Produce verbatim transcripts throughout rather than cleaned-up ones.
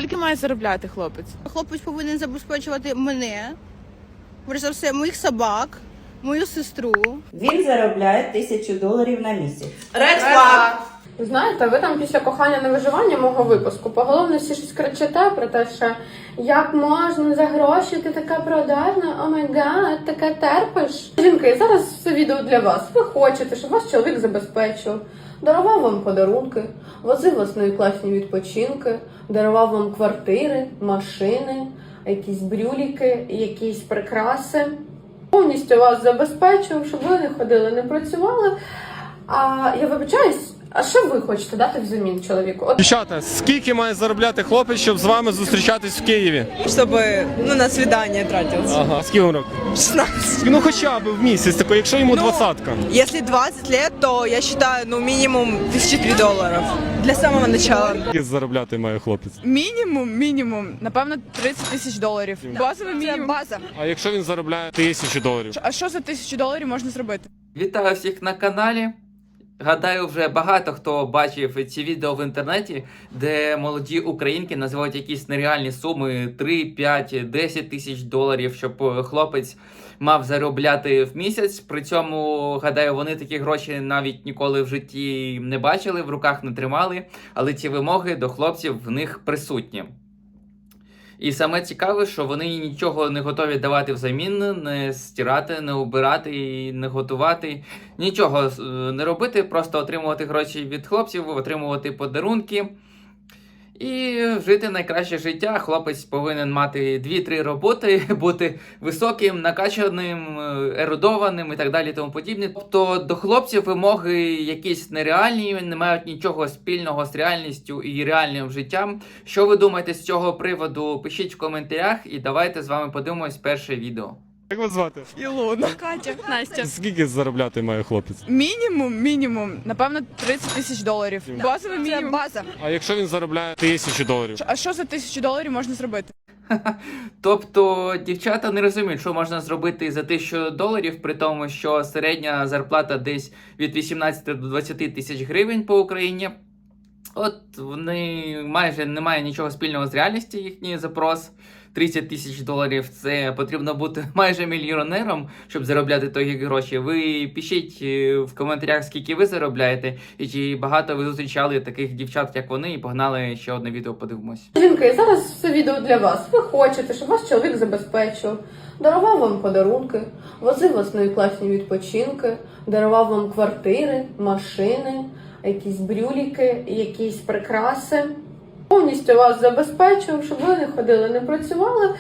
Скільки має заробляти хлопець? Хлопець повинен забезпечувати мене, перш за все, моїх собак, мою сестру. Він заробляє тисячу доларів на місяць. Ви знаєте, ви там після кохання на виживання мого випуску поголовно всі щось кричите про те, що як можна за гроші, ти така продажна, о май гад, таке терпиш. Жінки, зараз це відео для вас. Ви хочете, щоб ваш чоловік забезпечив, дарував вам подарунки, возив вас на класні відпочинки, дарував вам квартири, машини, якісь брюліки, якісь прикраси. Повністю вас забезпечив, щоб ви не ходили, не працювали. А я вибачаюсь, а що ви хочете дати взамін чоловіку? От... Дівчата, скільки має заробляти хлопець, щоб з вами зустрічатись в Києві? Чтобы, ну, на свидание тратился. Ага, скільки вам років? шестнадцать. Ну хоча б в місяць, тако, якщо йому Ну, двадцятка. Если двадцать лет, то я считаю, ну, минимум тысяча три долларов. Для самого начала. Скільки заробляти має хлопець? Мінімум, мінімум, напевно, тридцять тисяч доларів. Базовий мінімум. база. А якщо він заробляє тисячу доларів? А що за тисячу доларів можна зробити? Вітаю всіх на каналі. Гадаю, вже багато хто бачив ці відео в інтернеті, де молоді українки називають якісь нереальні суми три, п'ять, десять тисяч доларів, щоб хлопець мав заробляти в місяць. При цьому, гадаю, вони такі гроші навіть ніколи в житті не бачили, в руках не тримали, але ці вимоги до хлопців в них присутні. І саме цікаве, що вони нічого не готові давати взамін, не стирати, не убирати, не готувати, нічого не робити, просто отримувати гроші від хлопців, отримувати подарунки і жити найкраще життя. Хлопець повинен мати дві-три роботи, бути високим, накачаним, ерудованим і так далі тому подібне. Тобто до хлопців вимоги якісь нереальні, не мають нічого спільного з реальністю і реальним життям. Що ви думаєте з цього приводу? Пишіть в коментарях і давайте з вами подивимось перше відео. Як вас звати? Ілона. Катя. Настя. Скільки заробляти має хлопець? Мінімум, мінімум, напевно, тридцять тисяч доларів. Базовий мінімум. база. А якщо він заробляє тисячу доларів? А що за тисячу доларів можна зробити? Тобто дівчата не розуміють, що можна зробити за тисячу доларів, при тому, що середня зарплата десь від вісімнадцяти до двадцяти тисяч гривень по Україні. От вони майже не мають нічого спільного з реальністю, їхній запрос. тридцять тисяч доларів, це потрібно бути майже мільйонером, щоб заробляти такі гроші. Ви пишіть в коментарях, скільки ви заробляєте, і чи багато ви зустрічали таких дівчат, як вони, і погнали ще одне відео подивимось. Жінки, зараз це відео для вас. Ви хочете, щоб ваш чоловік забезпечив, дарував вам подарунки, возив вас на класні відпочинки, дарував вам квартири, машини, якісь брюліки, якісь прикраси. Повністю вас забезпечив, щоб ви не ходили, не працювали.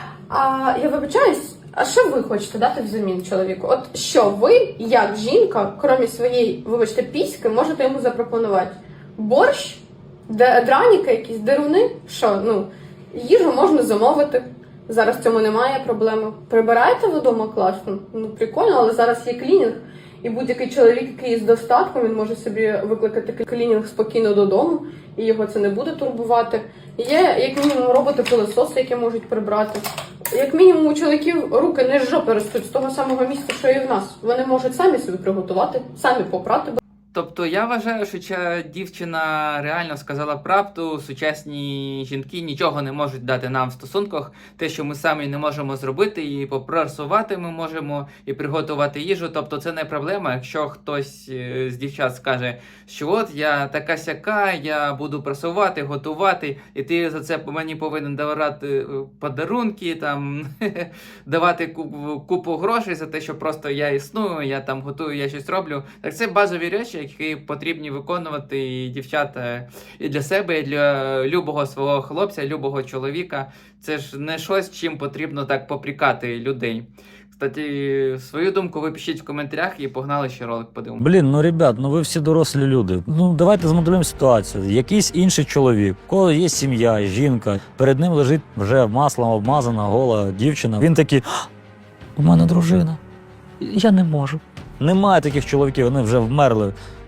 А я вибачаюсь, а що ви хочете дати взамін чоловіку? От що ви, як жінка, крім своєї, вибачте, піськи, можете йому запропонувати? Борщ? Драніки, якісь деруни? Що, ну, їжу можна замовити. Зараз в цьому немає проблеми. Прибираєте ви вдома класно? Ну, прикольно, але зараз є клінінг. І будь-який чоловік, який з достатком, він може собі викликати клінінг спокійно додому, і його це не буде турбувати. Є, як мінімум, роботи-пилососи, які можуть прибрати. Як мінімум, у чоловіків руки не з жопи ростуть з того самого місця, що і в нас. Вони можуть самі собі приготувати, самі попрати. Тобто я вважаю, що ця дівчина реально сказала правду. Сучасні жінки нічого не можуть дати нам в стосунках. Те, що ми самі не можемо зробити, і попрасувати ми можемо, і приготувати їжу. Тобто це не проблема. Якщо хтось з дівчат скаже, що от я така сяка, я буду прасувати, готувати, і ти за це мені повинен давати подарунки, там давати купу грошей за те, що просто я існую, я там готую, я щось роблю. Так це базові речі, які потрібні виконувати і дівчата і для себе, і для любого свого хлопця, любого чоловіка. Це ж не щось, чим потрібно так попрікати людей. Кстати, свою думку ви пишіть в коментарях і погнали ще ролик подивимося. Блін, ну ребят, ну ви всі дорослі люди. Ну давайте змоделюємо ситуацію. Якийсь інший чоловік, у кого є сім'я, жінка, перед ним лежить вже маслом обмазана гола дівчина. Він такий: у мене дружина, я не можу. Немає таких чоловіків, вони вже вмерли.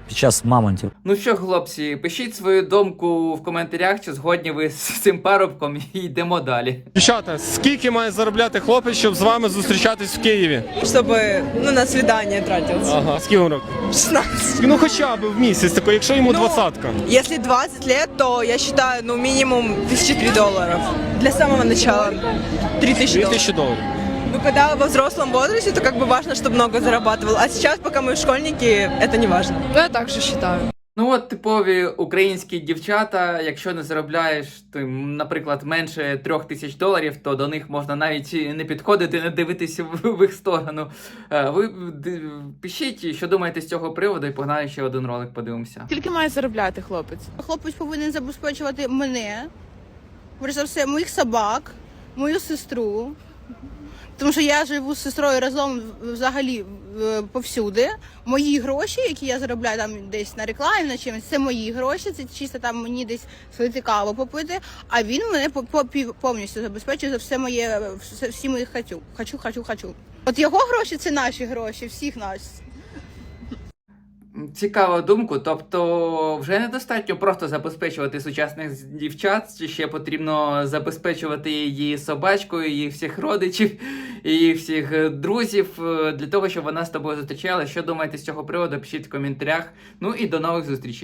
під час мамонтів. Ну що, хлопці, пишіть свою думку в коментарях, чи згодні ви з цим парубком, і йдемо далі. Дівчата, скільки має заробляти хлопець, щоб з вами зустрічатись в Києві? Чтобы, ну, на свидание тратился. Ага, скільки вам років? шестнадцать. Ну хоча б в місяць, такий, якщо йому Ну, двадцятка. Если двадцать лет, то я считаю, ну, минимум тысяча три долларов. Для самого начала три тысячи Дві долларов. тисячі доларів. Ну, когда во взрослом возрасте, то как бы важно, чтобы много зарабатывал. А сейчас, пока мы школьники, это не важно. Ну, я так же вважаю. Ну от типові українські дівчата, якщо не заробляєш, ти, наприклад, менше трьох тисяч доларів, то до них можна навіть не підходити, не дивитися в, в їх сторону. Е, Ви д- пишіть, що думаєте з цього приводу, і погнали ще один ролик подивимося. Скільки має заробляти хлопець? Хлопець повинен забезпечувати мене, перш за все, моїх собак, мою сестру. Тому що я живу з сестрою разом взагалі е, повсюди. Мої гроші, які я заробляю там десь на рекламі, на чимось, це мої гроші, це чисто там мені десь свою каву попити, а він мене по- по- пів- повністю забезпечує за все моє, все- всі мої хочу, хочу, хочу, хочу. От його гроші це наші гроші, всіх нас. Цікава думка, тобто вже недостатньо просто забезпечувати сучасних дівчат, чи ще потрібно забезпечувати її собачкою, її всіх родичів, її всіх друзів, е, для того, щоб вона з тобою зустрічалася. Що думаєте з цього приводу, пишіть в коментарях. Ну і до нових зустрічей.